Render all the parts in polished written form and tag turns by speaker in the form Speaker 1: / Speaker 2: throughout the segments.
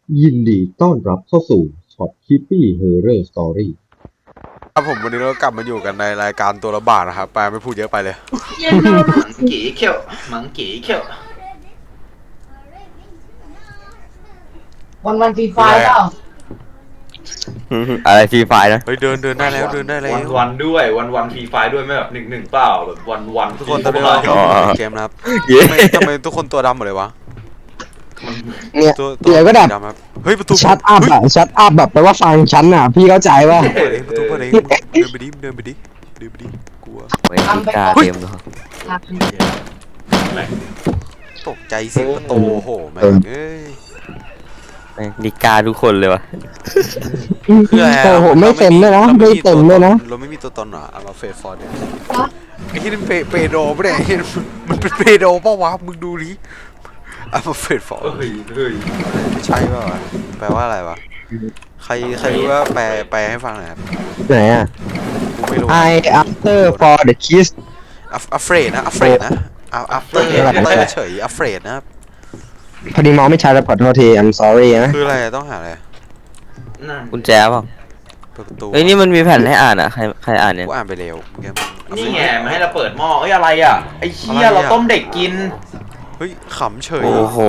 Speaker 1: ยินดีต้อนรับเข้าสู่ช็อตคิปปี้เฮอร์เรอร์สตอรี่
Speaker 2: ครับผมวันนี้เรากลับมาอยู่กันในรายการตัวละบาทนะครับแปลไม่พูดเยอะไปเลย
Speaker 3: มังกี้เขียวมังกี้เขียว
Speaker 4: วันฟรีไฟล์เปล่า
Speaker 5: อะไรฟรีไฟนะ
Speaker 2: เฮ้ยเดินได้แล้วเดินได้แล้ว
Speaker 3: วันด้วยวันฟรีไฟด้วยไม่แบบ1-1เปล่าแบบวัน
Speaker 2: ทุกคนตอนนี้เราอยู่ในเกมนะครับทำไมทุกคนตัวดำหมดเลยวะ
Speaker 1: เนี่ย
Speaker 2: ตัว
Speaker 1: เดี๋ยวก็แบบ
Speaker 2: ดำครับเฮ้ยประตู
Speaker 1: ชัดอัพอะชัดอัพแบบแปลว่าฟังฉันอะพี่เข้าใจว่า
Speaker 2: เปิดเองประตูเปิดเองเดินไปดิเดินไปดิกลัว
Speaker 5: ไม่มีกาเต็มเลย
Speaker 2: ตกใจเสียงประตูโอ้โหแม่งเอ้ย
Speaker 5: นิกาทุกคนเลยวะ
Speaker 2: คืออะไร
Speaker 1: โอ้โหไม่เต็มเลยนะไม่เต็มเลยนะ
Speaker 2: เราไม่มีตัวตนเหรอเอามาเฟสฟอร์ดเนี่ยไอ้ที่นี่เปโดไม่ได้มันเป็นเปโดป่าวะมึงดูดิเอามาเฟสฟอร์ด
Speaker 3: เฮ้ย
Speaker 2: ไม่ใช่ป่าวะแปลว่าอะไรวะใครรู้ว่าแปลให้ฟังหน่อยครับ
Speaker 1: ไหนอะ
Speaker 2: กูไม่รู้
Speaker 1: I after for the kiss
Speaker 2: afraid นะ afraid นะ after เฉย afraid นะครับ
Speaker 1: พอดีมองไม่ชัดแล้วขอโทษที I'm sorry นะ
Speaker 2: คืออะไรต้องหาอะไร
Speaker 3: นั่น
Speaker 5: กุญแจเปล่า
Speaker 2: เปิดประตู
Speaker 5: เฮ้ยนี่มันมีแผ่นให้อ่านอ่ะใครอ่านเนี่ย
Speaker 2: กูอ่านไปเร็วเมื่อกี้
Speaker 3: นี่ไงมาให้เราเปิดหม้อเอ้ยอะไรอ่ะไอ้เชี่ยเราต้มเด็กกิน
Speaker 2: เฮ้ยขำเฉย
Speaker 5: โอ้โห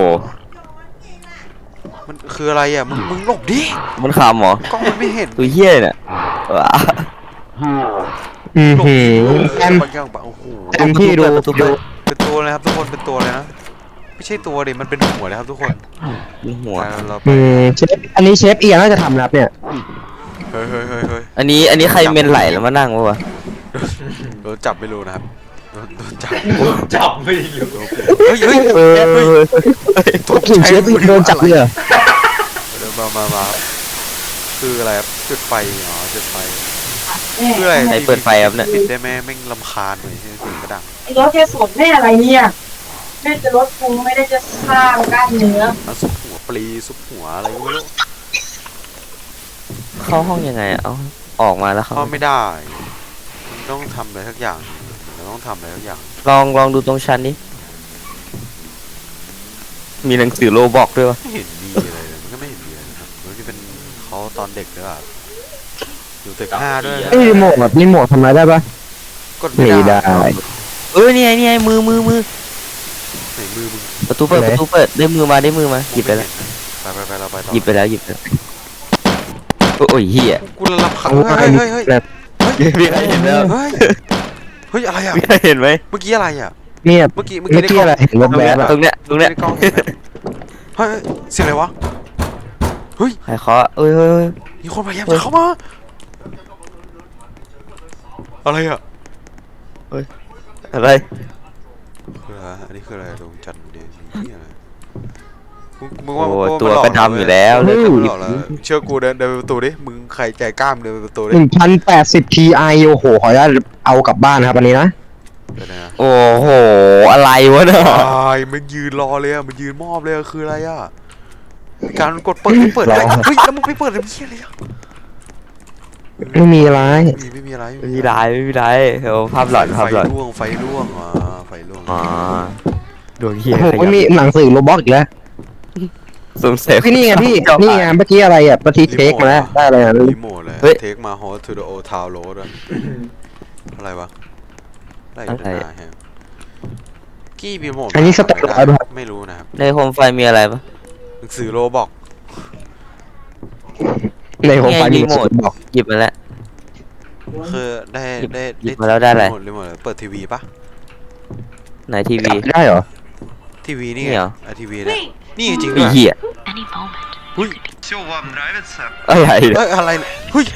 Speaker 2: มันคืออะไรอ่ะมึงหลบดิ
Speaker 5: มันคำเหรอก
Speaker 2: ล้องมันไม่เห็น
Speaker 5: ตัวเฮี้ยเนี่ยว้า
Speaker 2: หลบ
Speaker 1: แอม
Speaker 2: บางอย่างโอ้โห
Speaker 1: แอมพี่ดู
Speaker 2: เป็นตัวเลยครับทุกคนเป็นตัวเลยนะไม่ใช่ตัวดิมันเป็นหัวเลยครับทุกคน
Speaker 5: มีหัว
Speaker 2: เราไป
Speaker 1: เชฟอันนี้เชฟเอียน่าจะทำนะครับเนี่ย
Speaker 2: เฮ้ย
Speaker 5: อันนี้ใครเมนไหลแล้วมานั่งวะ
Speaker 2: โดนจับไม่รู้นะครับโดนจับ
Speaker 3: จับไม่อยู่
Speaker 2: เฮ้ย
Speaker 1: ตกถึงเชฟโดนจับเลยเหรอ
Speaker 2: เดี๋ยวมาคืออะไรครับจุดไฟอ๋อจุดไฟคืออะไร
Speaker 5: ใครเปิดไฟครับเนี่ย
Speaker 2: ปิดได้ไหมแม่งรำคาญหน่อยเสียงกระดัง
Speaker 4: ไอ้รถแค่สดแม่อะไรเนี่ยแม่จะลดพุงไม่ได้จะสร้างกล้ามเนื้อ
Speaker 2: เอาซุปหัวปลีซุปหัวอะไรไม่รู้
Speaker 5: เข้าห้องยังไงอะเอาออกมาแล้วเขา
Speaker 2: เข้าไม่ได้มันต้องทำอะไรสักอย่างมันต้องทำอะไรสักอย่าง
Speaker 5: ลองดูตรงชั้นนี้มีหนังสือโลบอกด้วยวะ
Speaker 2: ไม่เห็นมีอะไรเลยมันก็ไม่เห็นมีอะไรนะครับมันจะเป็นเขาตอนเด็กหรือเปล่าอยู่ตึก5ด้วยนะ
Speaker 1: รีโมทแบบรีโมททำอะไรได้ปะ
Speaker 2: กดไม่
Speaker 1: ไม่
Speaker 2: ได้
Speaker 1: ได้
Speaker 5: นี่ไงมือ
Speaker 2: ไหนมือมึง
Speaker 5: ประตูเปิดได้มือมาหยิบไปแล้ว
Speaker 2: ไปเราไปต่อ
Speaker 5: หยิบไปแล้วโอ้ยเฮีย
Speaker 2: กูรำคาญเฮ้ย
Speaker 1: แบบ
Speaker 5: มีใครเห็นแล้ว
Speaker 2: เฮ้ยอะไรอ่ะ
Speaker 5: มีใครเห็นไหม
Speaker 2: เมื่อกี้อะไรอ่ะ
Speaker 1: เนี่ย
Speaker 2: เมื่อกี้
Speaker 1: เมื่อกี้อะไรเห็นแวบๆอะ
Speaker 5: ตรงเนี้ย
Speaker 2: ในกล้องเห็นไหมเฮ้ยเสียงอะไรวะเฮ้ย
Speaker 5: ใครเคาะเอ้ย
Speaker 2: มีคนพยายามจะเข้ามาอะไรอ่ะ
Speaker 5: อะไร
Speaker 2: คืออะไรอันนี้คืออะไรดวงจันทร์เดนนี่อะไรมึง
Speaker 5: โอ้
Speaker 2: ว่า
Speaker 5: ตัวก็ดำอยู่แล้วเลย
Speaker 2: หลอกแล้วเชื่อกูเดินไปประตูดิมึงใครใจกล้ามเดินไปประตูดิ
Speaker 1: 1080 Ti โอ้โหขออนุญาตเอากลับบ้านนะครับอันนี้นะ
Speaker 2: เดี๋ยวนะ
Speaker 5: โอ้โหอะไรวะเนี่ย
Speaker 2: ตายมันยืนรอเลยอ่ะมันยืนมอบเลยคืออะไรอ่ะการกดเปิดอะไรเฮ้ยแล้วมึงไปเปิดอะไรเชี่ยอะไรอ่ะ
Speaker 1: ไม่มีอะไร
Speaker 2: ไม่มีอะไร
Speaker 5: ไม่มีไรเฮ้ยภาพหลอน
Speaker 2: ไฟล่วงไฟล่วง
Speaker 5: อ๋อดวงเฮีย
Speaker 1: โอ้โหไม่มีหนังสือโรบอทอีกแล้ว
Speaker 5: สงสัย
Speaker 1: พี่นี่ไงพี่นี่ไงเมื่อกี้อะไรอ่ะปฏิเทคมาแล้วได้อะไรอ่ะ
Speaker 2: รีโมทเลยเทคมาฮอสทูดโอทาวโรดอะไรวะอะไรอยู่ด้านหน้าแฮมกี้รีโมทไม่รู้นะครับ
Speaker 5: ในโคมไฟมีอะไรปะ
Speaker 2: หนังสือโรบอก
Speaker 1: ในหัวไฟมี
Speaker 5: รีโมท
Speaker 1: บอก
Speaker 5: หยิบมาแล้ว
Speaker 2: คือได้
Speaker 5: หยิบมาแล้วได้อะไร
Speaker 2: รีโมทเปิดทีวีปะ
Speaker 5: ไหนทีวี
Speaker 1: ได้เหรอ
Speaker 2: ทีวีนี่
Speaker 5: นี่เหรอ
Speaker 2: ทีวีเนี่ยนี่จริง
Speaker 5: ไอ้
Speaker 2: ด้วย
Speaker 5: เหี้ย
Speaker 6: Any moment.
Speaker 2: เฮ้ย
Speaker 7: Все вам нравится?
Speaker 5: อะไร
Speaker 2: เอ้ยอะไรเฮ้ย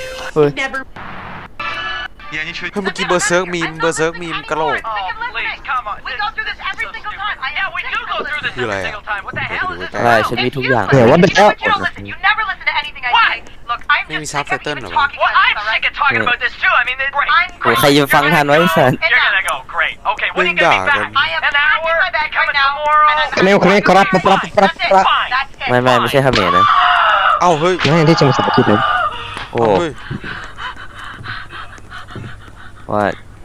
Speaker 7: Я ничего
Speaker 2: เฮ้ยเมื่อกี้เบอร์เซิร์กมีมกระโหลก
Speaker 7: Oh, please, come on.
Speaker 6: We go through this every single time. I
Speaker 7: Yeah, we do go through this
Speaker 2: You
Speaker 7: every
Speaker 2: like
Speaker 7: single time. What the hell is this?
Speaker 5: อะไรฉันมีทุกอย่าง
Speaker 1: เนี่ยว่าเป็นแล้ว
Speaker 6: You don't listen. You never listen to anything I
Speaker 7: Why?
Speaker 6: say. Look, I'm
Speaker 2: Maybe
Speaker 6: just sick of
Speaker 2: subtitle
Speaker 6: even
Speaker 2: or what?
Speaker 6: talking
Speaker 7: Well,
Speaker 6: about
Speaker 7: I'm
Speaker 6: this,
Speaker 7: sick
Speaker 6: alright?
Speaker 7: of talking about this too. I mean, great.
Speaker 6: I'm
Speaker 5: โอ้ใครจะฟังทันไว้สัน
Speaker 7: You're gonna go great. Okay, when are you gonna be back?
Speaker 6: I am
Speaker 7: An
Speaker 6: packed in
Speaker 7: hour?
Speaker 6: my bag
Speaker 7: Coming
Speaker 6: right now.
Speaker 7: tomorrow?
Speaker 6: and I'm-
Speaker 1: เร็วคนนี้ครับปั๊บ
Speaker 6: That's it.
Speaker 7: Fine.
Speaker 6: That's it.
Speaker 5: ไม่ใช่เขมรนะ
Speaker 2: เอ้าเฮ้ย
Speaker 1: ไม่ที่จะมาสาธิตเลย
Speaker 5: โอ้
Speaker 2: เฮ้ย
Speaker 5: ว่า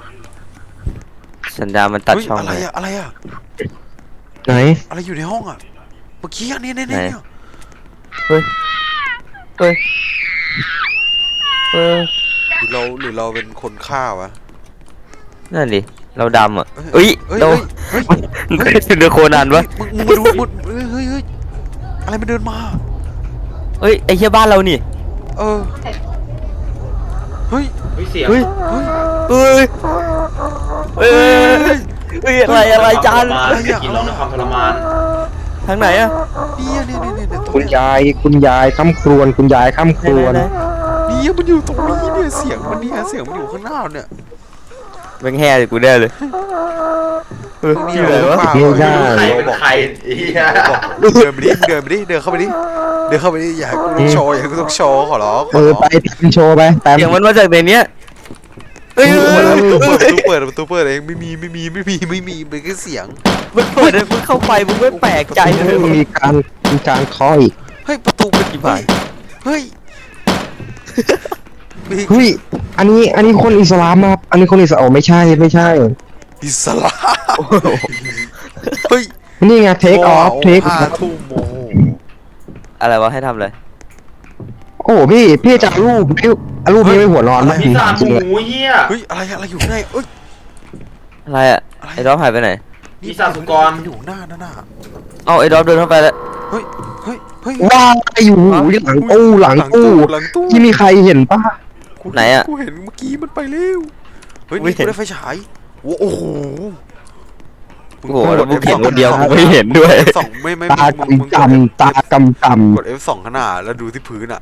Speaker 5: สัญญาณมันตัดช่อง
Speaker 2: อะไร
Speaker 5: เลย
Speaker 2: อะอะไรอะ
Speaker 1: ไหน
Speaker 2: อะไรอยู่ในห้องอะเมื่อกี้อันนี้เนี่ย
Speaker 5: เฮ้ยเฮ้ยเออ
Speaker 2: หรือเราเป็นคนฆ่าวะ
Speaker 5: นั่นดิเราดำอ่ะเอ้ย
Speaker 2: เฮ้ย
Speaker 5: เรา
Speaker 2: เฮ้ย
Speaker 5: มันเคยเป็นเรือโคนันปะ
Speaker 2: มึงมาดูมึงเฮ้ยอะไรมันเดินมา
Speaker 5: เฮ้ยไอ้เหี้ยบ้านเรานี่
Speaker 2: เออเฮ้ย
Speaker 3: เฮ้ยเสียง
Speaker 5: เฮ้ยเฮ้ยเฮ้ยเฮ้ยอะไรจาน
Speaker 3: กินร้องด้วยความทรมาน
Speaker 5: ทางไหนอะ
Speaker 2: เนี่ยตรง
Speaker 1: คุณ
Speaker 2: เนี้ย
Speaker 1: ยายค่ำครวญคุณยายค่ำครวญ
Speaker 5: ไหน
Speaker 2: เนี่ยมันอยู่ตรงนี้เนี่ยเสียงมันอยู่ข้างหน้าเนี่ย
Speaker 5: แม่งแห่เลยกูแน่เลยเฮ้ย
Speaker 2: นี่
Speaker 5: อยู่ไหนวะ
Speaker 1: เฮ้ยได้
Speaker 3: ใครเป็นใครไอ้เหี้ย
Speaker 2: เดินไปดิเดินเข้าไปดิอย่าให้กูต้องโชว์ขอร้อง
Speaker 1: ไปทำโชว์ไปแป๊บ
Speaker 5: เสียงมันมาจากในเนี้ยเฮ้ย
Speaker 2: เปิดประตูเปิดเองไม่มีเป็นแค่เสียง
Speaker 5: มันเปิดเลยมึงเข้าไปมึงไม่แปลกใจเลย
Speaker 1: มีการเคาะอีก
Speaker 2: เฮ้ยประตูเป็นกี่บาทเฮ้ย
Speaker 1: เฮ้ยอันนี้คนอิสลามครับอันนี้คนอิสลามไม่ใช่
Speaker 2: อิสลามเฮ้ย
Speaker 1: นี่ไงเทคออฟ
Speaker 2: 5 ทุ่มโม
Speaker 5: อะไรวะให้ทำเลย
Speaker 1: โอ้พี่จะรูปนี้ไม่หัวร้อนนะ
Speaker 3: ปีศาจหมูเหี้ย
Speaker 2: เฮ้ยอะไรอยู่ข้างในเอ้ย
Speaker 5: อะไรอะไอ้ดอฟหายไปไหน
Speaker 3: ปีศาจสุกร
Speaker 2: มันอยู่หน้านั่นน่ะ
Speaker 5: เอ้าไอ้ดอฟเดินเข้าไปแล้ว
Speaker 2: เฮ้ย
Speaker 1: ว้าอยู่หลังตู้ที่มีใครเห็นป่ะ
Speaker 5: ไหนอะ
Speaker 2: กูเห็นเมื่อกี้มันไปเร็วเฮ้ย
Speaker 5: ไม่
Speaker 2: นี่
Speaker 5: เห็
Speaker 2: กู
Speaker 5: น
Speaker 2: ได้ไฟฉายโอ้โห
Speaker 5: โอ้โหแล้วมึงเห็นคนเดียวกูไม่เห็นด้วย
Speaker 2: สองไม่
Speaker 1: ตา
Speaker 2: มึงกด
Speaker 1: ตากำ
Speaker 2: กด F2 ข้างหน้าแล้วดูที่พื้นอ่ะ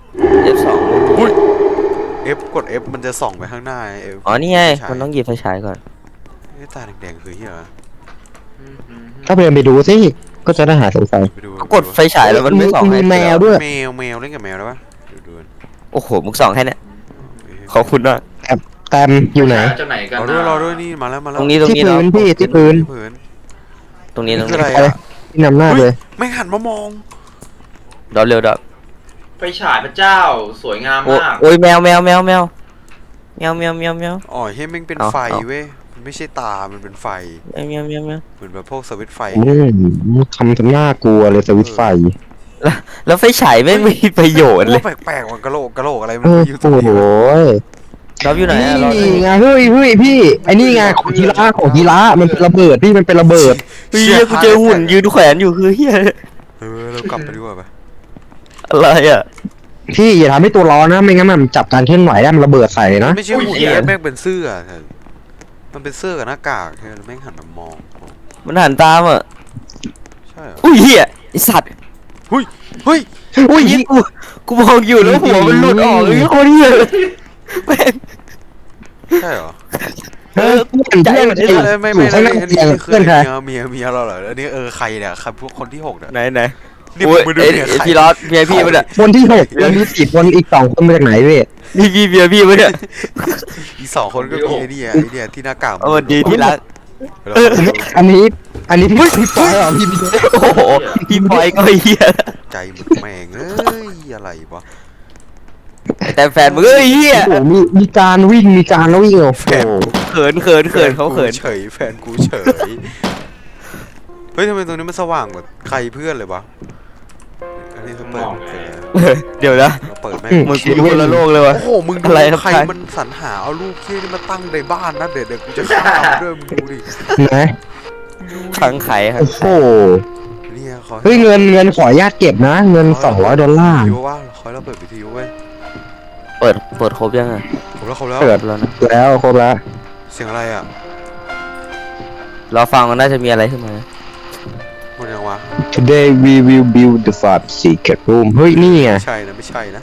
Speaker 5: F2
Speaker 2: กด F มันจะส่องไปข้างหน้า F
Speaker 5: อ๋อนี่ไงมันต้องหยิบไฟฉายก่อน
Speaker 2: ตาแดงๆคือเหี้ยอะไร
Speaker 1: ถ้าเดินไปดูสิก็จะได้หาสงสัย
Speaker 2: ไปดู
Speaker 5: ก็กดไฟฉายแล้วมันไม่ส่อง
Speaker 1: มี
Speaker 5: ให้
Speaker 1: แมวด้วย
Speaker 2: แมวเล่นกับแมวได้ปะดู
Speaker 5: โอ้โหมึงส่องแค่เนี้ยขอบคุณมาก
Speaker 1: แตมอยู่ไหน
Speaker 3: เจ้าไหนกัน
Speaker 2: รอด้วยนี่มาแล้ว
Speaker 5: ตรงนี้
Speaker 1: ที่พื้นพี่ที่พื้น
Speaker 5: ตรงนี้
Speaker 2: คืออะไรอ่ะ
Speaker 1: ที่นำหน้าเลย
Speaker 2: ไม่หันมามอง
Speaker 5: ดอฟเร็วดอฟ
Speaker 3: ไฟฉายพระเจ้าสวยงามมาก
Speaker 5: โอ้ยแมว
Speaker 2: อ๋อเฮ้ยแม่งเป็นไฟเว้ยมันไม่ใช่ตามันเป็นไฟ
Speaker 5: แมว
Speaker 2: เหมือนแบบพวกสวิตช์ไฟ
Speaker 1: ทำหน้ากลัวเลยสวิตช์ไฟ
Speaker 5: แล้วไฟฉายไม่มีประโยชน์เลย
Speaker 2: แปลกๆมันกะโหลกอะไรมัน
Speaker 1: โอ้
Speaker 2: อยู่ตรงนี้
Speaker 1: โห
Speaker 5: ดอฟอยู่ไหนอะ
Speaker 1: นี่ไงเฮ้ยพี่ไอ้นี่ไงของกีฬามันเป็นระเบิดพี่มันเป็นระเบิด
Speaker 5: เฮียกูเจอหุ่นยืนแขวนอยู่คือเฮีย
Speaker 2: เรากลับไปดีกว่าปะ
Speaker 5: อะไรอะ
Speaker 1: พี่อย่าทำให้ตัวร้อนนะไม่งั้นมันจับการเคลื่อนไหวได้มันระเบิดใส่นะ
Speaker 2: ไม่ใช่หุ่นแม่งเป็นเสื้อมันเป็นเสื้อกับหน้ากากแม่งหันมามอง
Speaker 5: มันหันตามอะ
Speaker 2: ใช่เหรอ
Speaker 5: อุ้ยเฮียไอสัตว์
Speaker 2: เฮ้ย
Speaker 1: อุ้ย
Speaker 5: เฮียกูมองอยู่แล้วหัวมันหลุดออกเลยโคตรเฮียเลยแม่ง
Speaker 2: ใช่เหรอ
Speaker 1: เพื่อนอยู่ข้างหน้า
Speaker 2: อัน
Speaker 1: เตี
Speaker 2: นี้
Speaker 1: ยง
Speaker 2: คือ
Speaker 1: เพื่อนใคร
Speaker 2: เมียเราเหรออันนี้ใครเนี่ยครับพวกคนที่6เนี่ย
Speaker 5: ไหน
Speaker 2: นี่
Speaker 5: โอ้ย
Speaker 2: มึงดู
Speaker 5: ไอ้
Speaker 2: เนี่ย
Speaker 5: พี่รอดเมียพี่มันอะ
Speaker 1: คนที่6แล้วมี4คนอีก2คนมาจากไหนพี่
Speaker 5: นี่พี่เมียพี่มันอะ
Speaker 2: อีก2 คนก็มีไอ้เนี่ยที่หน้ากาก
Speaker 5: สวัสดีที่รัก
Speaker 1: อันนี้พี่ปอยเหรอพี่
Speaker 5: โอ้โหพี่พลอยก็เฮีย
Speaker 2: ใจมึงแม่งอะไรวะ
Speaker 5: แต่แฟนมึงเอ้ยเฮีย
Speaker 1: โอ้โหมีการวิ่งโอ้โห
Speaker 5: เขินเขาเขิน
Speaker 2: เฉยแฟนกูเฉยเฮ้ยทำไมตรงนี้มันสว่างกว่าใครเพื่อนเลยวะอันนี้เปิด
Speaker 5: เดี๋ยวนะ
Speaker 2: เราเปิดแม่ง
Speaker 5: มึงกูอยู่คนละโลกเลยวะ
Speaker 2: โอ้โหมึงดู
Speaker 5: อะไรครับ
Speaker 2: ใครมันสรรหาเอารูปเคี้ยนี่มาตั้งในบ้านนะเดี๋ยวกูจะฆ่ามันด้วยมึงดูดิ
Speaker 1: นะ
Speaker 5: ขังไข่ครับ
Speaker 1: โอ้โห
Speaker 2: เนี่ยขอ
Speaker 1: เฮ้ยเงินขออนุญาตเก็บนะเงิน$200
Speaker 2: วิทยุว่าขอเราเปิดวิทยุเว้ย
Speaker 5: เปิดครบยังอะ
Speaker 2: ผมแล้วเขาแล้ว
Speaker 1: เปิด
Speaker 5: แล้วนะ
Speaker 1: แล้วครบแล้ว
Speaker 2: เสียงอะไรอ่ะ
Speaker 5: รอฟังมันน่าจะมีอะไรขึ้นมา
Speaker 2: หมดยังวะ
Speaker 1: Today we will build the fort secret room เฮ้ยนี่ไง
Speaker 2: ไม่ใช่นะ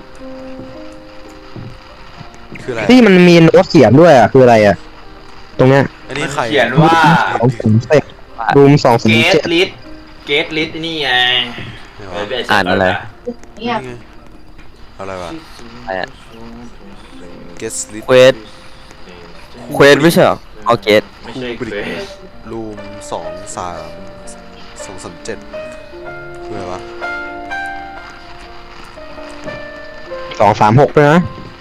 Speaker 2: คืออะไร
Speaker 1: ที่มันมีโน้ตเขียนด้วยอ่ะคืออะไรอ่ะตรงเนี้ย
Speaker 2: อันนี้ใคร
Speaker 3: เขียนว่า
Speaker 1: 207 room
Speaker 3: เกต
Speaker 1: 207
Speaker 3: ลิสนี่ไง
Speaker 5: อ่านอะไร
Speaker 4: เนี่ย
Speaker 2: อะไรวะ
Speaker 5: อะไรอะ
Speaker 2: guest list
Speaker 5: เควสไม่ใช่เหรอเอาเกต
Speaker 3: ไม่ใช่เควส
Speaker 2: รูม237คืออะไรวะ
Speaker 1: 236ด้วยนะ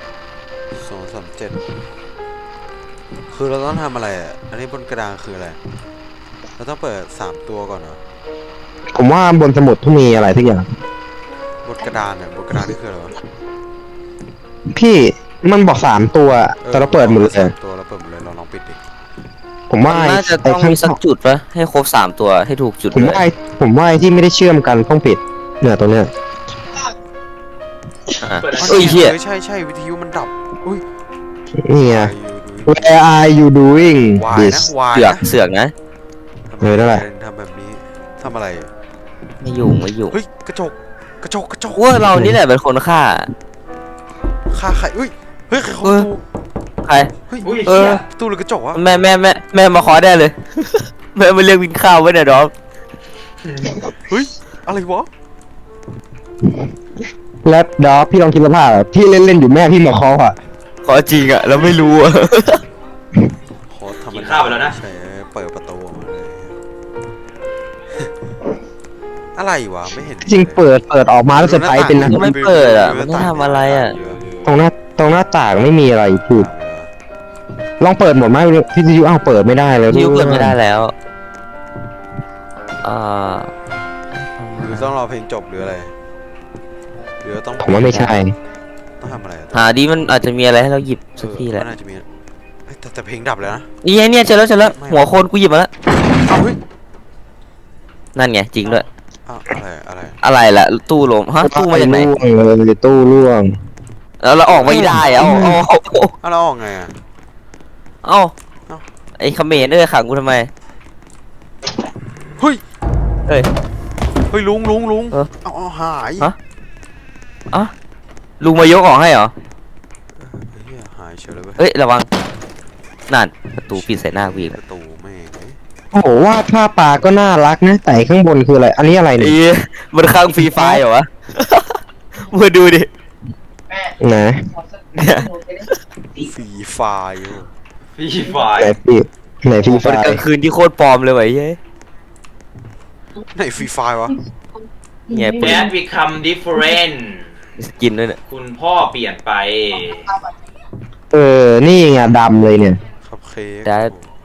Speaker 2: 237คือเราต้องทำอะไรอ่ะอันนี้บนกระดานคืออะไรเราต้องเปิด3ตัวก่อนเหรอ
Speaker 1: ผมว่าบนสมุดต้องมีอะไรทุกอย่าง
Speaker 2: กระดานเนี่ยบนกระดานนี่คืออะไรวะ
Speaker 1: พี่มันบอก3 ตัวแต่เราเปิดหมดเลย
Speaker 2: สามตัวเราเปิดหมดเลยเราลองปิดดิ
Speaker 1: ผมว่า
Speaker 5: น่าจะต้องมีสักจุดปะให้ครบ3 ตัวให้ถูกจุด
Speaker 1: ผมว่าไอ้ที่ไม่ได้เชื่อมกันต้องปิดเนี่ยตัวเนี้ย
Speaker 5: เอ้ยเหี้ย
Speaker 2: ใช่วิทยุมันดับอุ้ย
Speaker 1: นี่ไง Where are you doing
Speaker 2: วาย
Speaker 1: this
Speaker 2: นะวาย
Speaker 5: เสือกนะ
Speaker 1: เออนั่นแหละ
Speaker 2: ทำแบบนี้ทำอะไร
Speaker 5: ไม่อยู่
Speaker 2: เฮ้ยกระจก
Speaker 5: ว่าเรานี่แหละเป็นคนฆ่า
Speaker 2: ฆ่าใครเฮ้ยใครเข้า
Speaker 5: เอ
Speaker 2: ประ
Speaker 5: อ
Speaker 2: ตู
Speaker 5: ใคร
Speaker 2: เฮ้ย
Speaker 3: อุ้ย
Speaker 5: เออ
Speaker 3: เชี่ย
Speaker 2: ประตูหรือกระจกวะ
Speaker 5: แม่มาขอได้เลย แม่มาเรียกวินข้าวไว้เนี่ยดอม
Speaker 2: เฮ้ยอะไรวะ
Speaker 1: แล้วดอพี่ลองคิดสภาพพี่เล่นอยู่แม่พี่มาเคาะอ่ะ
Speaker 5: ขอจริงอะเราไม่รู้อะ
Speaker 2: ขอทำ
Speaker 3: กินข้าวไปแล้วนะ
Speaker 2: ใช่เปิดประตูออกมาเลย อะไรวะไม่เห็น
Speaker 1: จริงเปิดออกมาแล้วเซอร์ไพรส์เป็นนะ
Speaker 5: ไม่เปิดอะมันไม่ทำอะไรอะ
Speaker 1: ตรงหน้าต่างไม่มีอะไรพูดลองเปิดหมดไหมพี่จะยูอ้าวเปิดไม่ได้แล้ว
Speaker 5: นิ้วเปิดไม่ได้แล้วอ่า
Speaker 2: หรือต้องรอเพลงจบหรืออะไรหรือต้อง
Speaker 1: ผมว่าไม่ใช่
Speaker 2: ต้องทำอะไรอะ
Speaker 5: หาดีมันอาจจะมีอะไรให้เราหยิบสักทีแหละ
Speaker 2: มันน่าจะมีเฮ้ยแต่เพลงดับเลยนะ
Speaker 5: นี่ไงเนี่ยเจอแล้วหัวโคนกูหยิบมาแล้ว
Speaker 2: เอ้าเฮ้ย
Speaker 5: นั่นไงจริงด้วย
Speaker 2: อ้าวอะไร
Speaker 5: อะไรล่ะตู้ลมฮะตู้มาจากไหน
Speaker 1: ร่วงเลยตู้ร่วง
Speaker 5: แล้วเราออกไม่ได้อะเอา
Speaker 2: อ้าวเราออกไงอ่ะ
Speaker 5: เอาไอ้เขมรขังกูทำไม
Speaker 2: เฮ้ย
Speaker 5: เฮ้ย
Speaker 2: เฮ้ยลุง
Speaker 5: เออ
Speaker 2: เอาหาย
Speaker 5: ฮะ อ่ะลุงมายกออกให้เหรอ
Speaker 2: เฮียหายเฉยเลยเว้ย
Speaker 5: เอ้ยระวังนั่นประตูปิดใส่หน้ากูอีก
Speaker 2: ป
Speaker 5: แล้ว
Speaker 2: ระตูแม่งเอ้ย
Speaker 1: โอ้โหวาดภาพปลาก็น่ารักนะแต่ข้างบนคืออะไรอันนี้อะไร
Speaker 5: ไอ้
Speaker 1: เนี่ย
Speaker 5: มันข้างฟรีไฟเหรอวะ มาดูดิ
Speaker 4: แม่
Speaker 1: ไหน
Speaker 4: ขอสักหนูจะได้
Speaker 2: ฟรีไฟล์อยู่
Speaker 3: พี่ไฟ
Speaker 1: ไหนพี่ไหนพี่
Speaker 5: มันกลางคืนที่โคตรปลอมเลยว่ะไอ้เฮ้ย
Speaker 2: ไหนฟรีไฟล์วะ
Speaker 5: ไง
Speaker 3: แอด become different
Speaker 5: สกินด้วยเนี่ย
Speaker 3: คุณพ่อเปลี่ยนไป
Speaker 1: นี่ไงดำเลยเนี่ย
Speaker 2: ครับเค้ก
Speaker 5: ได้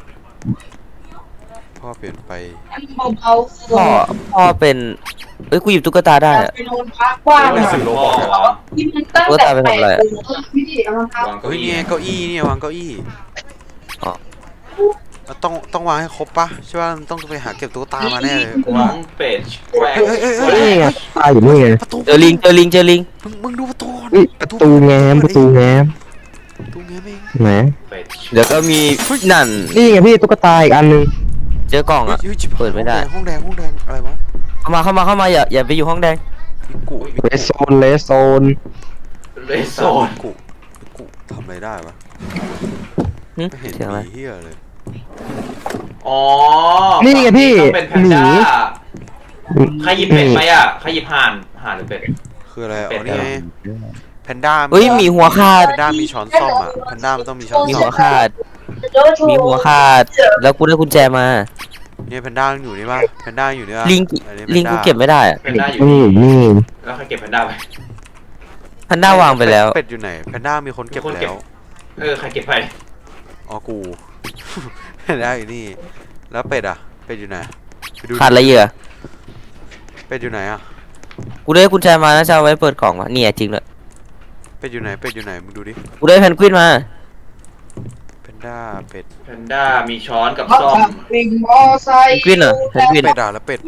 Speaker 2: พ่อเปลี่ยนไป
Speaker 4: เบาๆ
Speaker 5: พ่อเป็นเอ้ยกูหยิบตุ๊กตาได้อะ
Speaker 4: ไปนอนพักว่าง
Speaker 3: ไม่
Speaker 4: อะ
Speaker 3: สึกพ่อวะ
Speaker 4: ที่มันตั้ง
Speaker 5: ว่า
Speaker 4: แต่
Speaker 5: ตายไปทำอะไรอะ
Speaker 4: พี่เอารองเท้า
Speaker 3: วาง
Speaker 2: เฮ้ยเนี่ยเก้าอี้เนี่ยวางเก้าอี้
Speaker 5: อ๋อ
Speaker 2: เราต้องวางให้ครบปะใช่ป่ะต้องไปหาเก็บตุ๊กตามาแน่เลยกู
Speaker 3: น้
Speaker 2: ว่า
Speaker 3: องเป็ดแกรก
Speaker 1: นี่ไงปลาอยู่นี่ไง
Speaker 2: ประตู
Speaker 5: เจอลิง
Speaker 2: มึงดูประตูก่อน
Speaker 1: อุ๊ยประตูแง้ม
Speaker 2: ประตูแง้มเอง
Speaker 1: ไหน
Speaker 3: เป็ด
Speaker 5: เดี๋ยวก็มีนั่น
Speaker 1: นี่ไงพี่ตุ๊กตาอีกอันนึง
Speaker 5: เจอกล่องอ่ะ
Speaker 2: ฮ้ยชิบหาย
Speaker 5: เปิดไม่ได้
Speaker 2: ห้องแดงอะไรวะ
Speaker 5: เข้ามาอย่าไปอยู่ห้องแดง
Speaker 2: มิกุ
Speaker 1: เลสโซน
Speaker 3: เลโซน
Speaker 2: มิกุทำอะไรได้วะ
Speaker 5: หึ
Speaker 2: ไม่เห็น
Speaker 5: เสียงอะไร
Speaker 2: มีเฮียเลย
Speaker 3: อ๋อ
Speaker 1: นี่ไงพี่
Speaker 3: ต้องเป็นแพน
Speaker 1: หมี
Speaker 3: ด้าใครหยิบเป็ดไปอ่ะใครหยิบห่านหรือเป็ด
Speaker 2: คืออะไรอ๋
Speaker 3: เป็
Speaker 2: อ
Speaker 3: ด
Speaker 2: นี่
Speaker 3: เหรอ
Speaker 2: ไงแพนด้า
Speaker 5: เฮ้ยมีหัวขาด
Speaker 2: แพนด้ามีช้อนส้อมอ่ะแพนด้ามันต้องมีช้อน
Speaker 5: มี
Speaker 2: ส้
Speaker 5: หั
Speaker 2: อ
Speaker 5: ว
Speaker 2: ม
Speaker 5: ขาดมีหัวขาดแล้วกูได้กุญแจมา
Speaker 2: เนี่ยแพนด้าอยู่นี่ป่ะแพนด้าอยู่นี่ป่ะ
Speaker 5: ลิง
Speaker 2: อันนี้
Speaker 5: ลิงกูเก็บไม่ได้อะ
Speaker 3: แพนด้าอยู่
Speaker 1: นี่
Speaker 3: นี่
Speaker 1: นี่
Speaker 3: แล้วใครเก็บแพนด้าไป
Speaker 5: พันด้าวางไปแล้ว
Speaker 2: เป็ดอยู่ไหนแพนด้ามีคนเก็บ
Speaker 3: มีคน
Speaker 2: แล้
Speaker 3: เก็บ
Speaker 2: ว
Speaker 3: ใครเก็บไป
Speaker 2: อ๋อกู แพนด้าอยู่นี่แล้วเป็ดอ่ะเป็ดอยู่ไหนไปดู
Speaker 5: ขาดอะไรเหยื่อ
Speaker 2: เป็ดอยู่ไหนอ่ะ
Speaker 5: กูได้กุญแจมานะจะเอาไว้เปิดกล่องวะเนี่ยจริงเลย
Speaker 2: เป็ดอยู่ไหนมึงดูดิ
Speaker 5: กูได้แพนกวินมา
Speaker 2: แพนด้าเป็ด
Speaker 3: แพนด้ามีช้อนกับ
Speaker 4: เขา
Speaker 3: ซ่อม
Speaker 4: ทำเป็นมอไซค์
Speaker 5: แพนกวินเหรอแพนกวิน
Speaker 2: เป็ดอ่ะแล้วเป็ด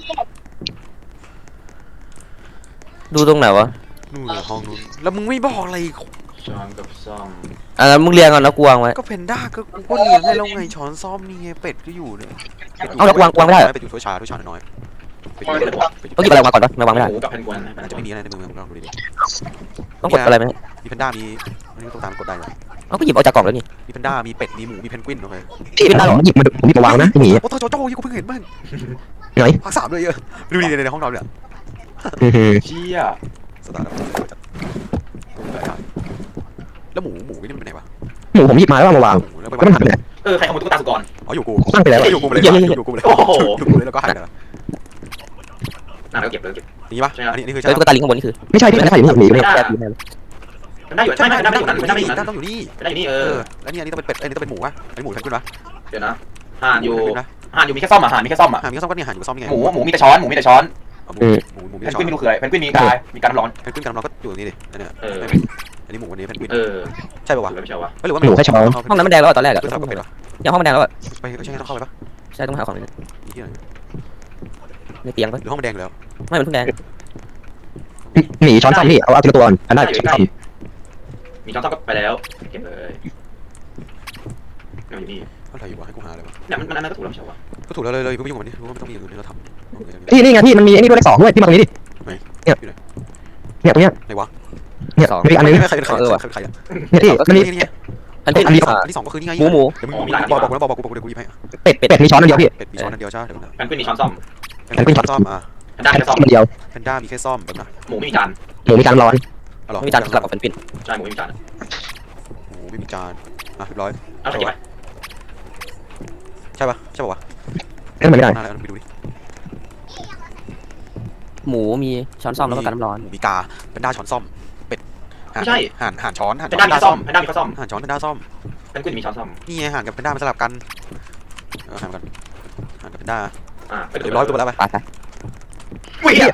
Speaker 5: ดูตรงไหนวะ
Speaker 2: นู่นเลยห้องนู้นแล้วมึงไม่บอกอะไรอีก
Speaker 3: ช้อนกับซ่อม
Speaker 5: อ่ะงั้นมึงเรียงก่อนแล้วกูวางไว้
Speaker 2: ก็เพนด้าก็กูก็เลี้ยงให้แล้วไงช้อนซ่อมนี่ไงเป็ดก็อยู่เนี่ย
Speaker 5: เอาแล้ววางไม่ได้เหรอ
Speaker 2: เป็ดอยู่ถ้วยชาน้อยเป็ด
Speaker 5: ต้องหยิบอะไรออกมาก่อนปะไม่วางไม่ได้
Speaker 3: หมูกับแพนกวิน
Speaker 2: มันอาจจะไม่มีอะไรในมือมึงลองดูดิ
Speaker 5: ต้องกดอะไรไหม
Speaker 2: มีเพนด้ามีอันนี้ต้องตามกดได้เลย
Speaker 5: เอาก็หยิบออกจากกล่องแล้วนี่
Speaker 2: มีเพนด้ามีเป็ดมีหมูมีเพนกวินโอเค
Speaker 1: พี่เป็นได้หรอหยิบมาวางนะพี่หมี
Speaker 2: โอ้โหโจโจ้ยี่กูเพิ่งเห็นบ้าง
Speaker 1: ไหน
Speaker 2: ภาค3เลยเยอะดูดิในห้องนอนเนี่ย
Speaker 3: เชี่ย
Speaker 2: สตาร์ทแล้วหมูนี่มันไปไหนวะ
Speaker 1: หมูผมหยิบมาแล้วมาวาง
Speaker 2: หมูแล้วไป
Speaker 1: แล้วมันหายไปไหน
Speaker 3: ใครขโมยตุ๊กตาสุกร
Speaker 2: อ๋ออยู่กู
Speaker 1: ตั้งไปแล้ว
Speaker 2: อยู่กูเลยอยู่กูเลยแล้วก็หายไปแล้ว
Speaker 3: น่าเราเก็บเลย
Speaker 2: นี่ปะอันนี้คือ
Speaker 5: แล้ว
Speaker 2: ใช่
Speaker 5: ตุ๊กตาลิงข้างบนนี่คือ
Speaker 1: ไม่ใช่พี่ไม่ใช่อยู่นี่หมี
Speaker 3: ไม่
Speaker 1: ไม่
Speaker 3: ได้
Speaker 1: ได้
Speaker 3: แพนด้าอยู่ใช่ไหมแพนด้าไม่อยู่นั้นแพนด้าไม่อยู่นั้น
Speaker 2: ต้องอยู่นี่
Speaker 3: แพนด้าอยู่นี่
Speaker 2: แล้วนี่อันนี้ต้องเป็นเป็ดอันนี้ต้องเป็นหมูวะอันนี้หมูเพนกวินวะ
Speaker 3: เดี๋ยวนะห่านอยู่มีแค่ซ่อมอ่ะห่านมีแค่ซ่อมอ่ะ
Speaker 2: มีก็ซ่อมก็เนี่ยหันอยู่ซ่อมยังไง
Speaker 3: หมูมีแต่ช้อน
Speaker 2: เอาหมู
Speaker 1: อืม
Speaker 2: หมู
Speaker 3: เพ
Speaker 2: มี
Speaker 3: น
Speaker 2: ช้
Speaker 3: ก
Speaker 2: อน
Speaker 3: วินไม่รู้คืออะไรเพนกวินมีกายมีการน้ำร้อน
Speaker 2: เพนกวินกับเราก็อยู่ตรงนี้ดิอันเนี้ย
Speaker 3: เออ
Speaker 2: อันนี้หมูวันนี้เพนกวิน
Speaker 3: เออ
Speaker 2: ใช่ป่าวะ
Speaker 3: ถูกแล้วไม่ใช่วะ
Speaker 2: หรือว่า
Speaker 1: หมูแค่ช้อน
Speaker 5: ห้องนั้นมันแดงแล้วอะตอนแรกอะ
Speaker 2: ก็สลับกับเป็ดเหรอ
Speaker 5: ยังห้องมันแดงแล้วอะ
Speaker 2: ไปใช่ไงต้องเข้าไปปะ
Speaker 5: ใช่ต้องหาของ
Speaker 2: มีที่ไหน
Speaker 5: ในเตียงปะ
Speaker 2: หรือห้องมันแดงอยู่แล้ว
Speaker 5: ไม่มันเพิ่งแดง
Speaker 1: หนีช้อนซ่อมพี่เอาทีละตัวก่อนอันได้ช้อนซ่อม
Speaker 3: มีช้อนซ่อมก็ไปแล้วเก็บเลยนี่อยู่นี่
Speaker 2: อะไรอยู่วะให้กูหาอะไรวะ
Speaker 3: เนี่ยมันอันนั้นก็ถูกแล้วไม่ใช่วะ
Speaker 2: ก็ถูกแล้วเลยกูไม่ยุ่งกับมันนี่รู้ว่ามันต้องมีอย่างอื่นที่เราทำ
Speaker 1: พี่นี่ไงพี่มันมีไอ้นี่ด้วยเลข2ด้วยพี่มาตรงนี้ดิ
Speaker 2: ไหน
Speaker 1: เนี่ย
Speaker 2: อยู่ไหน
Speaker 1: เนี่ยตรงเนี้ย
Speaker 2: ไหนวะ
Speaker 1: เนี่ยมีอีกอันนึง
Speaker 2: ใครเป็นใครใครเป็นใครอ่ะ
Speaker 1: เนี่ยพี่มันมี
Speaker 2: นี่
Speaker 5: อันที่
Speaker 1: อันเดียว
Speaker 2: อันที่สองก็คือนี่ไง
Speaker 5: หมูหมู
Speaker 2: เดี๋ยวมึงบอกกูเดี๋ยวกูหยิบให้
Speaker 1: เป็ดมีช้อนอันเดียวพี่
Speaker 2: เป็ดมีช้อนอันเดียวใช่เดี๋ยวนะ
Speaker 3: แพนกวินมีช้อนซ่อม
Speaker 2: แพนกวินซ่อมอ่ะ
Speaker 3: แพนด้า
Speaker 1: แค่
Speaker 3: แค่ซ่อม
Speaker 1: อันเดียว
Speaker 2: แพนด้ามีแค่ซ่อมแบบนะ
Speaker 3: หมูไม่มีจาน
Speaker 1: หมูมีการร้อน
Speaker 2: อ๋อเหรอ
Speaker 5: ไม่มีจานสลับกับเป็นปิ่น
Speaker 3: ใช่หมูไม่มีจาน
Speaker 2: หมูไม่มีจานอ่ะเรียบร้อย
Speaker 3: เอาไปเก็บไป
Speaker 2: ใช่ปะใช่ปะวะ
Speaker 1: เอ้ยมันไม่ได้
Speaker 2: น่าแล้วไปดูดิ
Speaker 5: หมูมีช้อนซ่อมแล้วก็การน้ำร้อน
Speaker 2: มีกาแพนด้าช้อนซ่อมเป็ดห่านช้อน
Speaker 3: แพนด้ามีข้าวซ่อมแพนด้ามีข้าวซ่อม
Speaker 2: ห่านช้อนแพนด้าซ่อม
Speaker 3: แพนกวินมีช้อนซ่อม
Speaker 2: นี่ไงห่านกับแพนด้ามันสลับกันห่านกันห่านกับแพนด้า
Speaker 3: ไปดู
Speaker 2: เรียบร้อยตัวแล้วไป
Speaker 5: ไปไป
Speaker 3: วิ่ง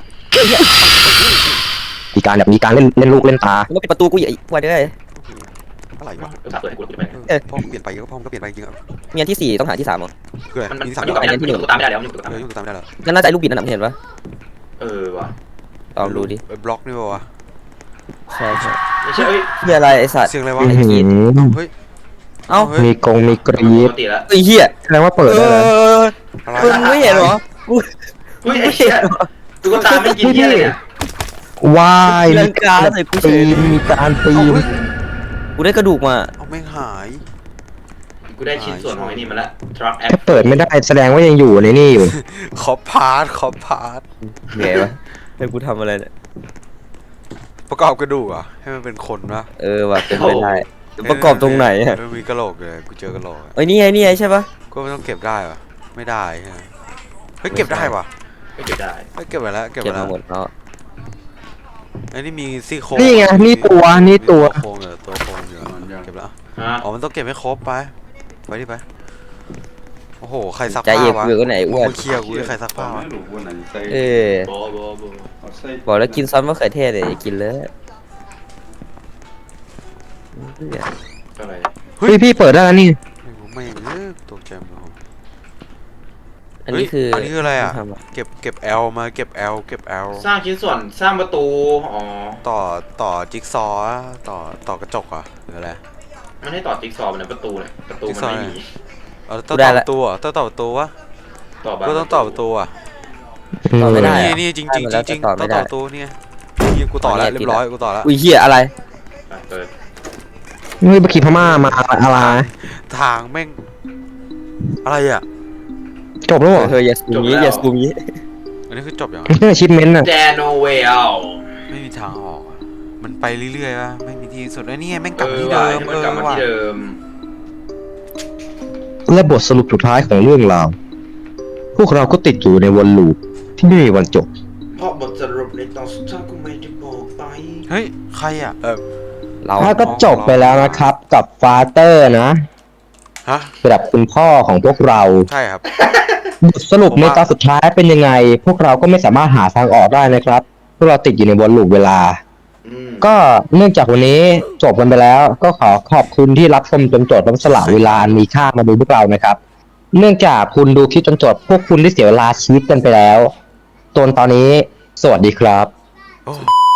Speaker 1: มีการแบบมีการเล่นลูกเล่นตา
Speaker 5: มันก็ปิดประตูกูอีกวันได้
Speaker 2: อะไรวะ
Speaker 3: เออเปิดให้กูไป
Speaker 2: พ่อเปลี่ยนไปก็พ่อก็เปลี่ยนไปจริงอ่ะ
Speaker 5: มีอันที่4ต้องหาที่3อ่ะ
Speaker 2: คืออะไร
Speaker 3: มัน
Speaker 2: มีสาม
Speaker 3: อยู่กับมันอยู่กับตุ๊กตาไม่ได้แล้วอยู่กับตุ๊กตา
Speaker 2: ยุ่งตามได้แล้ว
Speaker 5: นั่นน่าจะไอ้ลูกบิดนั่นนะเห็นปะ
Speaker 3: เออว่ะ
Speaker 5: ลองดูดิ
Speaker 2: บล็อกนี่วะ
Speaker 5: ใช่ใช่
Speaker 3: ไม่ใช่เอ้ย
Speaker 5: เฮียอะไรไอ้สัตว์
Speaker 2: เสียงอะไรวะ
Speaker 1: อื้อหือ
Speaker 2: เฮ้ย
Speaker 5: เอ้า
Speaker 1: มีกรี
Speaker 3: ป
Speaker 1: ด
Speaker 3: กติแล้ว
Speaker 5: ไอ้เฮีย
Speaker 1: แสดงว่าเปิดได้แล้ว
Speaker 5: มึงไม่เห็นเหรอ
Speaker 3: อุ้ยไอ้เหี้ยตุ๊กตาไม่กินเหี้ยเลยเนี่ย
Speaker 1: ว้าย
Speaker 5: เรื่องการใส่กูเฉ
Speaker 1: ปี
Speaker 5: ย
Speaker 1: นมีการปีน
Speaker 5: กูได้กระดูกมา
Speaker 2: เอาไม่หาย
Speaker 3: กูได้ชิ้นส่วนของไอ้นี่มาแล้วทรัคแอป
Speaker 1: ถ้าเปิดไม่ได้แสดงว่ายังอยู่ในนี่อยู่
Speaker 2: ขอพาร์ท
Speaker 5: เหนื่อยวะให้กูทำอะไรเนี่ย
Speaker 2: ประกอบกระดูกอ่ะให้มันเป็นคนวะ
Speaker 5: เออว่ะเป็นไปได้ประกอบตรงไหนอะ
Speaker 2: มีกระโหลกเลยกูเจอกระโหลก
Speaker 5: เอ้ยนี่ไงใช่ปะ
Speaker 2: ก็ไม่ต้องเก็บได้ปะไม่ได้ฮะเฮ้ยเก็บได้ปะ
Speaker 3: ไม่เก็บได้
Speaker 2: เฮ้ยเก็บไปแล้วเก็บ
Speaker 5: เก็
Speaker 2: ไป
Speaker 5: บ
Speaker 2: แล้
Speaker 5: มาว หมดแล้ว
Speaker 2: ไอ้นี่มีซี่โครง
Speaker 1: นี่ไงนี่ตัวนี่ตัว
Speaker 2: โครงเหรอตัวโครงอยู่เก็บแล้ว
Speaker 3: ฮะ
Speaker 2: อ๋อมันต้องเก็บให้ครบไปดิไปโอ้โหใครซัก
Speaker 5: ใจ
Speaker 2: ผ้า
Speaker 5: เย็น
Speaker 2: วะ
Speaker 5: อยู่ก็ไหนอ้วน
Speaker 2: มึงเคลียร์กูด้วยใครซักผ้าวะ
Speaker 5: เออ
Speaker 3: โบ
Speaker 5: บอกแล้วกินซอสมะเขือเทศเลยอย่ากินเลย
Speaker 3: อะไร
Speaker 1: เฮ้ยพี่เปิดได้แล้วนี่
Speaker 2: ไม่ตกใจหมด
Speaker 5: อันนี้คือ
Speaker 2: อันนี้คืออะไรอ่ะ
Speaker 5: ทำอะ
Speaker 2: เก็บ L มาเก็บ L
Speaker 3: สร้างชิ้นส่วนสร้างประตูอ๋อ
Speaker 2: ต่อจิ๊กซอว์อะต่อกระจกอ่ะหรืออะไร
Speaker 3: มันให้ต่อจิ๊กซอว์เป็นประตูเลยประตูมันไม่มี
Speaker 2: ต้องต่อประตูอ่ะต้องต่อประตูวะ
Speaker 3: ต่อบ้าน
Speaker 2: ก็ต้องต่อประตูอ่ะ
Speaker 5: ต่อไม่ได้
Speaker 2: นี่จริง
Speaker 5: ได้มาแล้ว
Speaker 2: จริง
Speaker 5: ต่อ
Speaker 2: ต้
Speaker 5: ไม่
Speaker 2: อง
Speaker 5: ได้
Speaker 2: ต่อประตูนี่นี่กูต่อแล้วเรียบร้อยกูต่อแล้ว
Speaker 5: อุ้ยเฮียอะไร
Speaker 3: เปิด
Speaker 1: เฮ้ยบักขีพม่ามาอะไร
Speaker 2: ทางแม่งอะไรอ่ะ
Speaker 1: จบแล้วเหรอ
Speaker 5: เธออย่าสูงนี้อย่าสูงนี้
Speaker 2: อันนี้คือจบยัง
Speaker 1: ไม่ใช่ชิปเมนต์น่ะ
Speaker 3: แดโนเวล
Speaker 2: ไม่มีทางออกอะมันไปเรื่อยๆวะไม่มีที่สุดแล้วนี่ไงแม่งก
Speaker 3: เอ
Speaker 2: ลับ
Speaker 3: อ
Speaker 2: มาที่เดิม
Speaker 3: ว่ะมันกลับมาที่เดิม
Speaker 1: และบทสรุปสุดท้ายของเรื่องราวพวกเราก็ติดอยู่ในวนลูปที่ไม่มีวันจบ
Speaker 3: เพราะบทสรุปในตอนสุดท้ายกูไม่ได้บอกไป
Speaker 2: เฮ้ยใครอ่ะ
Speaker 5: เรา
Speaker 1: ถ้าก็จบไปแล้วนะครับกับฟาเตอร์นะ
Speaker 2: ฮะ
Speaker 1: สำหรับคุณพ่อของพวกเรา
Speaker 2: ใช่ครับ
Speaker 1: บทสรุปในตอนสุดท้ายเป็นยังไง พวกเราก็ไม่สามารถหาทางออกได้นะครับพวกเราติดอยู่ในวนลูปเวลา ก็เนื่องจากวันนี้จบกันไปแล้ว ก็ขอขอบคุณที่รับชมจนจบและสละเวลาอันมีค่ามาดูพวกเรานะครับ เนื่องจากคุณดูคลิปจนจบพวกคุณได้เสียเวลาชีวิตกันไปแล้วจนตอนนี้สวัสดีครับ
Speaker 2: โอ้